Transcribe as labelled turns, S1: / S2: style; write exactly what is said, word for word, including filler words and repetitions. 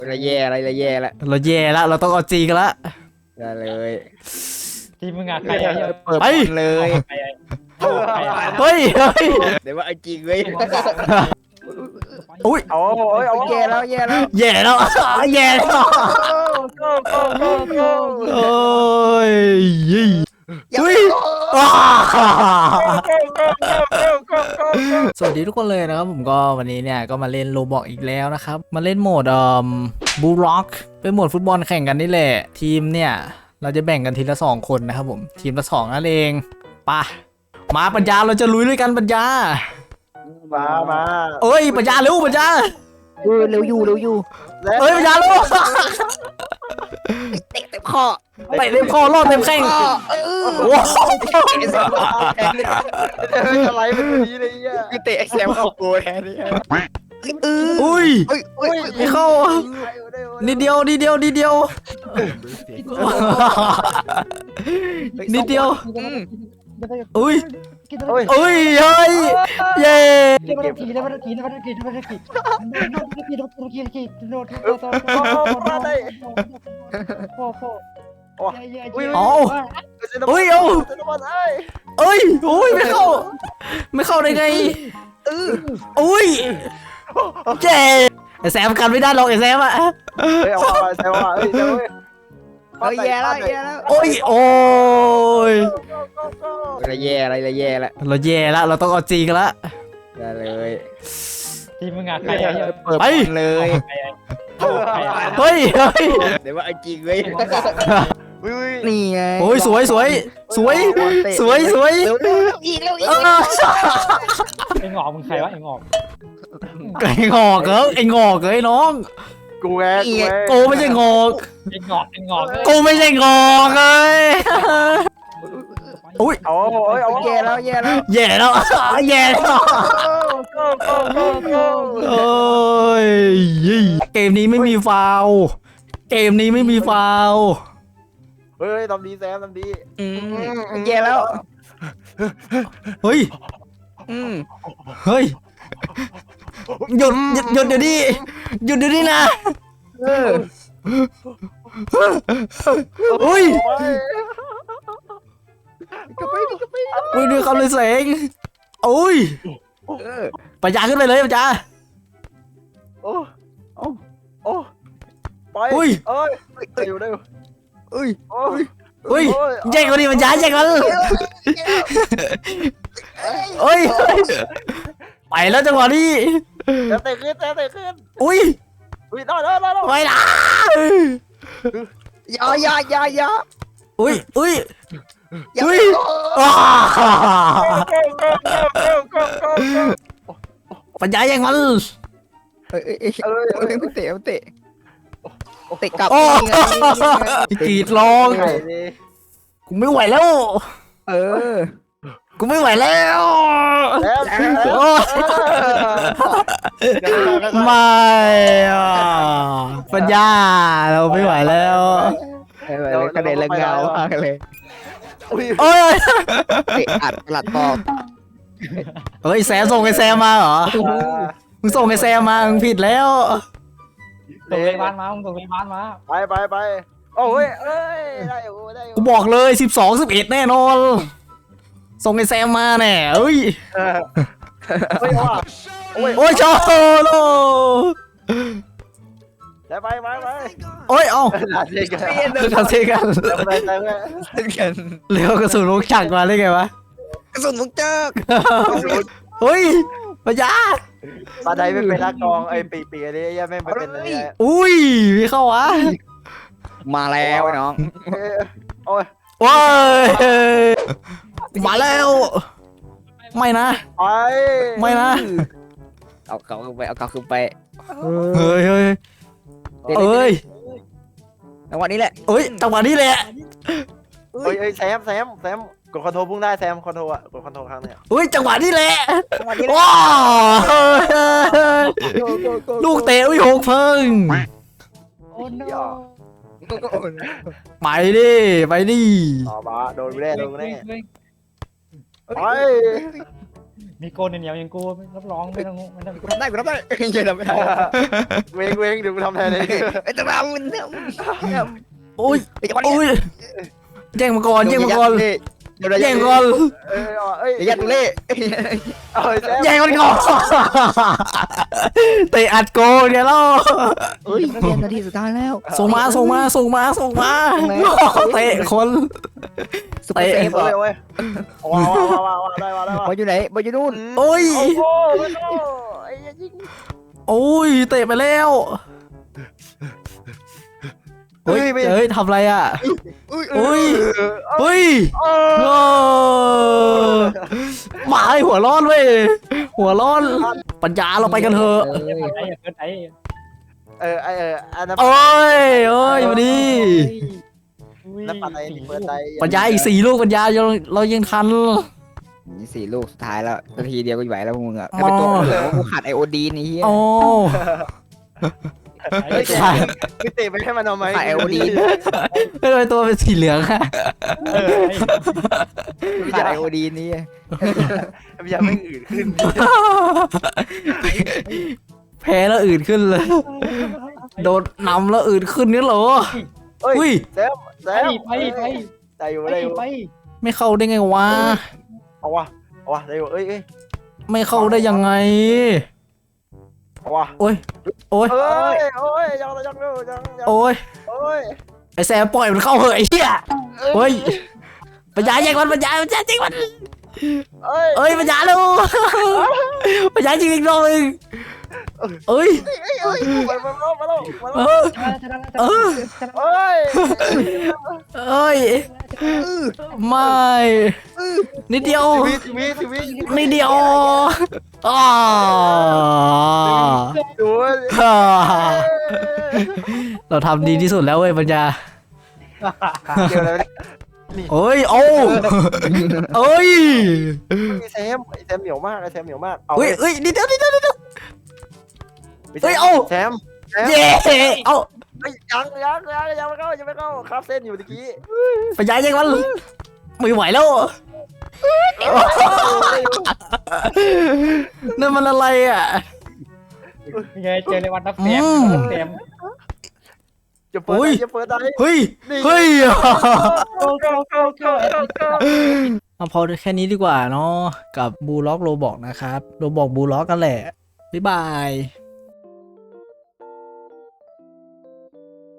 S1: เราแย่อะไรเราแย่ละ
S2: เราแย่แล้วเราต้องเอาจริงกันละ
S1: ได้เลย
S3: ทีมมึงอะใครอะ
S1: เปิดบอลเลย
S3: ใครอะ
S2: เฮ้ยเฮ้ย
S1: เดี๋ยวว่าไอ้จริงเว้ย
S2: อุ้ย
S4: เอาโอ้ยเอา
S1: แย่แล้วแย่แล้ว
S2: แย่แล้วแย่แล้วโอ้ยยี่อุ้ยอ้าสวัสดีทุกคนเลยนะครับผมก็วันนี้เนี่ยก็มาเล่นโลบอกอีกแล้วนะครับมาเล่นโหมดเอ่อบูล็อกเป็นโหมดฟุตบอลแข่งกันนี่แหละทีมเนี่ยเราจะแบ่งกันทีละสองคนนะครับผมทีมละสองนั่นเองป่ะมาปัญญาเราจะลุยด้วยกันปัญญา
S4: มามา
S2: เอ้ยปัญญาเร็วปัญญา
S1: เออเร็วอยู่เร็วอยู่
S2: เอ้ยปัญญาเร็ว
S1: เตะเต็มคอ
S2: เตะเต็มคอรอดเต็มแข้ง
S1: เออ
S2: ว้าว
S4: อะไรเป็นแบบนี้เลยอ่ะ
S1: คือเตะไอ้แซมเข้าโกแทนนี่เออ
S2: อุ้ย
S1: เฮ้ยเฮ้ย
S2: ไม่เข้านิดเดียวนิดเดียวนิดเดียวนิดเดียวอุ้ยอุ้ยเฮ้ยเย้เอาอุ้ยเอาเอ้ยอุ้ยไม่เข้าไม่เข้าได้ไงเอออุ้ยเจ๊ไอแซมกันไม่ได้หรอกไอแซมอะ
S4: เฮ้ยเอาไปแซวอ่ะเฮ้ยเฮ้ย
S1: เฮ้ยแย่แล้วแย่แล้ว
S2: โอ้ยโอ้ย
S1: เราแย่อะไรเราแย่ละ
S2: เราแย่แล้วเราต้องเอาจริงกันละ
S1: ได้เลย
S3: ทีมมึงอะใครอะ
S1: เปิดบอลเลย
S2: เฮ้ยเฮ้ย
S1: เดี๋ยวว่าไอ้จริงเว้ย
S4: วิว
S1: นี่ไง
S2: โอ้ยสวยสวยสวยสวยสวย
S1: เร็วเร็วอีกเร็วอีก
S2: เออ
S3: ไอ้หงอกมึงใครวะไอ้หงอก
S2: ไอ้งอกเหรอไอ้งอกเหรอไอ้น้อง
S4: กูแงกูแง
S2: กูไม่ใช่งอก
S3: ไอ้หงอกไอ้หงอก
S2: กูไม่ใช่งอกเลยอุ้ย
S4: เอาโอ้ยเอา
S1: แย่แล้วแย่แล้ว
S2: แย่แล้วแย่แล้วโอ้ยเกมนี้ไม่มีฟาวล์เกมนี้ไม่มีฟาวล์
S4: เฮ้ยทำดีแซมทำดี
S1: อืมแย่แล้ว
S2: เฮ้ย
S1: อืม
S2: เฮ้ยหยุดหยุดหยุดเดี๋ยวนี้หยุดเดี๋ยวนี้นะ
S1: เออ
S2: อุ้ย
S1: ก็ไปก็ไป
S2: อุ้ยดูคำเลยเสงอุ้ย
S1: เออ
S2: ปัญญาขึ้นไปเลยปัญญา
S4: โอ้โอ้โอ้ไป
S2: อุ้ย
S4: เอ้ยเร็วเร็ว
S1: อุ้ย
S4: โอ้ย
S2: อุ้ยแย่งกันดิปัญญาแย่งกันเอ้ยไปแล้วจังหวะนี้
S4: แซมเตะขึ้นแซมเตะขึ้น
S2: อุ้ย
S4: อุ้ยได้ได้ได้ได้
S2: ไปนะ
S1: ยายายายา
S2: อุ้ยอุ้ย
S1: อุ้
S2: อุ้
S1: ย
S2: ยอ้าปัญญาแย่งมัน
S1: เอ้ยเอ้ยเอ้ยเอ้ยไม่เตะไม่เตะเตะกลับ
S2: โอ้
S1: นี่ไง
S2: กรีดร้อง
S4: ไงดิ
S2: กูไม่ไหวแล้ว
S1: เออ
S2: กูไม่ไหวแล้ว
S4: แซมแซม
S2: โอ้ไม่อ่ะปัญญาเราไม่ไหวแล้ว
S1: กระเด็นละเงามากเลย
S4: อุ้ย
S2: โอ้ย
S1: เตะอัดหลัดบอก
S2: เฮ้ยแซมส่งไอ้แซมมาเหรอมึงส่งไอ้แซมมามึงผิดแล้ว
S3: ส่งไปบ้านมามึงส่งไปบ้านมา
S4: ไปไปไปโอ้ยเอ้ยได้อยู่ได้อยู่
S2: กูบอกเลยสิบสองสิบเอ็ดแน่นอนส่งไอ้แซมมาแน่เอ้ย
S4: เฮ้ยว่ะโอ้ย
S2: โอ้ยชอโล
S4: ได้ไปไปไป
S2: โอ้ยเอ้า
S4: หาเด็กกัน
S1: เปลี่ยนเลย
S2: ทำเซกัน
S4: เติมไปเติมไป
S1: เล่นกัน
S2: เร็วกระสุนลูกจักรมาได้ไงวะ
S1: กระสุนมุกเจิก
S2: เฮ้ยปัญญา
S4: ปลาไทยไม่เป็นนักกองไอ้ปีปีอะไรยังไม่เป็นอะไร
S2: อุ้ยพี่เข้าวะ
S1: มาแล้วน้อง
S4: โอ้ย
S2: ว้ายมาแล้วไม่นะ
S4: ไป
S2: ไม่นะ
S1: เอาเก่าขึ้นไปเอาเก่าขึ้นไป
S2: เฮ้ยเฮ้ยเอ้ย
S1: จังหวะนี้แหละ
S2: เอ้ยจังหวะนี้แหละ
S4: เฮ้ยเฮ้ยแซมแซมแซมกดคอนโทรลพุ่งได้แซมคอนโทรลอะกดคอนโทรลครั้งเนี่ย
S2: เฮ้ยจังหวะนี้แหละ
S1: จังหวะนี้แหละ
S2: ว้าวลูกเตะอุ้ยหกเพิ่ง
S3: โอ้โน
S2: ไปดิไปดิ
S4: ต่อมาโดนแน่โดนแน่ไป
S3: มีโกนเหนียวอย่างกูรับรองไม่ต้องไม่ต้อง
S1: กูทำได้กูทำได้เยังทำไม่ได้
S4: เวงเวงเดี๋ยวกูทำแทนเลย
S1: ไอ้ตะบามันเนี่ย
S2: โอ้ย
S1: ไอ้จังหวะ
S2: โอ้
S1: นี้
S2: ยแย่งมาก่อนแย่งมาก่อน
S1: เดี๋ยวเรา
S2: แย่งก่อน
S4: เออเอ้ย
S1: เดี๋ยวยัดตุเล่
S4: เอ้ยแซม
S2: แย่งมันก่อนเตะอัดโกเนี่ยล่ะ
S1: เฮ้ยนักเรียนนาทีสุดท้ายแล้ว
S2: ส่งมาส่งมาส่งมาส่งมาเตะคน
S1: สุดเซฟ
S4: เอ้ยเว้ยว้าวว้าวว้าวได้ว้าวได้ว้าว
S1: บอลอยู่ไหนบอลอยู่นู่น
S2: โอ้ย
S4: โอ้โหไอ้ยิง
S2: โอ้ยเตะไปแล้วเฮ้ยเฮ้ยทำอะไรอ่ะ
S1: อุ้ย
S2: อุ้ยเฮ้ย
S4: โอ้
S2: โอ้หมาไอ้หัวร้อนเว้ยหัวร้อนปัญญาเราไปกันเถอะ
S3: ไอ้ไอ้เกินไอ้
S4: เออไอเอออันนั้น
S2: โอ้ยโอ้ยมาดิ
S4: น้ำปัดไอ้เปิดไอ้
S2: ปัญญาอีกสี่ลูกปัญญาเราเรายังทัน
S1: นี่สี่ลูกสุดท้ายแล้วนาทีเดียวก็ไหวแล้วมึงอ่ะไอ้เป็นตัวเหลือว่ากูขาดไอโอดีนนี่เฮีย
S2: โอ้
S4: เฮ้ย
S2: ขาด
S4: คือเตะไปให้มันเอาไหม
S1: ขาดไอโอดีน
S2: ไม่เป็นตัวเป็นสีเหลืองอะ
S1: ขาดไอโอดีนนี่
S4: พยายามไม่อื่นขึ้น
S2: แพ้แล้วอื่นขึ้นเลย โดนนำแล้วอื่นขึ้นนี่เหรอ
S4: เฮ้ย
S2: อุ้ย
S4: แซมแซ
S3: ไป
S4: ม
S3: ไปไป
S4: ได้อยู่
S3: ไป
S4: ได้อยู่
S3: ไป
S2: ไม่เข้าได้ไงวะ
S4: เอาวะเอาวะได้อยู่เอ้ยเอ้ย
S2: ไม่เข้าได้ยังไง
S4: เอาวะ
S2: โอ้ยโอ้ย
S4: เอ้ยโอ้ยยังยังยังยังยัง
S2: โอ้ย
S4: โอ้ย
S2: ไอแซมปล่อยมันเข้าเหอะไอ้เหี้ยเฮ้ยปัญญาแย่งมันปัญญาปัญญาจริงมัน
S4: เอ้ย
S2: เอ้ยปัญญาลูกปัญญาจริงอีกรอบนึงเอ้ย
S4: เอ้ยมามามามามา
S2: เออ
S3: ชนะชนะช
S2: เอ
S3: นะ
S2: อ
S4: เอ้ย
S2: เอ้ยไม่นิดเดียว
S4: ทีวีทีวีทีวี
S2: นิดเดียวอ๋อ
S4: ดู
S2: เราทำดีที่สุดแล้วเว้ยปัญญา
S4: เดี๋ยวอะไร
S2: เอ้ยโอ้เอ้ย
S4: ไอแซมไอแซมเหนียวมากไอแซมเหนียวมากเอา
S2: เฮ้ยเฮ้ยนิดเดียวนิดเดียวนิดเดียว เฮ้ยเอา
S4: แซมแซม
S2: เย้เอา
S4: เฮ้ยยังยังยังยังไม่เข้ายังไม่เข้าคาบเส้นอยู่ตะกี้
S2: ปัญญายังมันไม่ไหวแล้วนั่นมันอะไรอ่ะ
S3: ยังไงเจอในวันนับแซมนับแซม
S4: จะเปิดจะเปิดได้
S2: เฮ้ยเฮ้ย
S3: โก้โก้โก้โก้
S2: เอาพอแค่นี้ดีกว่าเนาะกับบูล็อกโรบอกนะครับโรบอกบูล็อกกันแหละบ๊ายบาย